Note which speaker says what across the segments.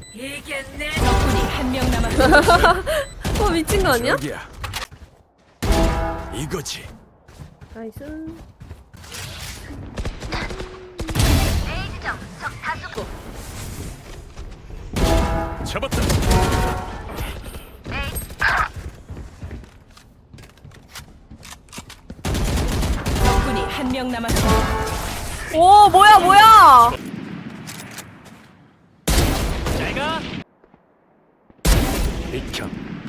Speaker 1: 이겠네. 덕분이 한 명 남았어.
Speaker 2: 미친 거 아니야?
Speaker 3: 저기야. 이거지.
Speaker 2: 나이스.
Speaker 3: 잡았다.
Speaker 1: 덕분이 한 명 남았어.
Speaker 2: 오, 뭐야?
Speaker 3: 내가 비켜.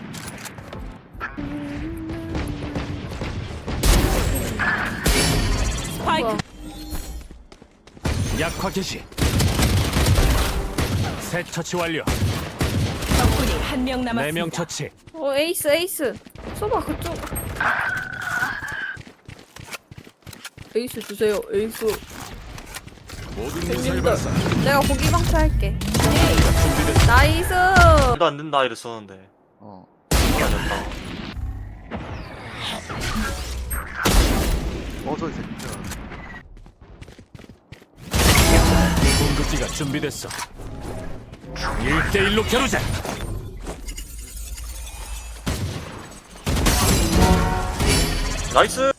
Speaker 1: 스파이크.
Speaker 3: 약화 개시. 새 처치 완료.
Speaker 1: 덕분이 한 명 남았어.
Speaker 3: 4명 처치.
Speaker 2: 에이스. 쏘봐, 그쪽. 에이스 주세요, 에이스.
Speaker 3: 모든 미사일
Speaker 2: 형님들,
Speaker 3: 발사.
Speaker 2: 내가 고기 방패할게.
Speaker 3: 준비됐어.
Speaker 2: 나이스.
Speaker 4: 말도 안 된다 이랬었는데. 말도 안 된다.
Speaker 5: 저 이 새끼야.
Speaker 3: 공급기가 준비됐어. 1대1로 겨루자.
Speaker 4: 나이스.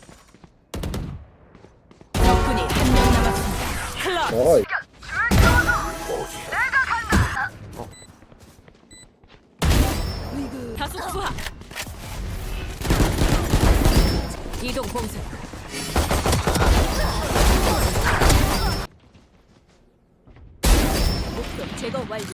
Speaker 1: 덕분이 한 명 남았습니다. 클럽. 다수 투하. 이동 봉쇄. 목표 제거 완료.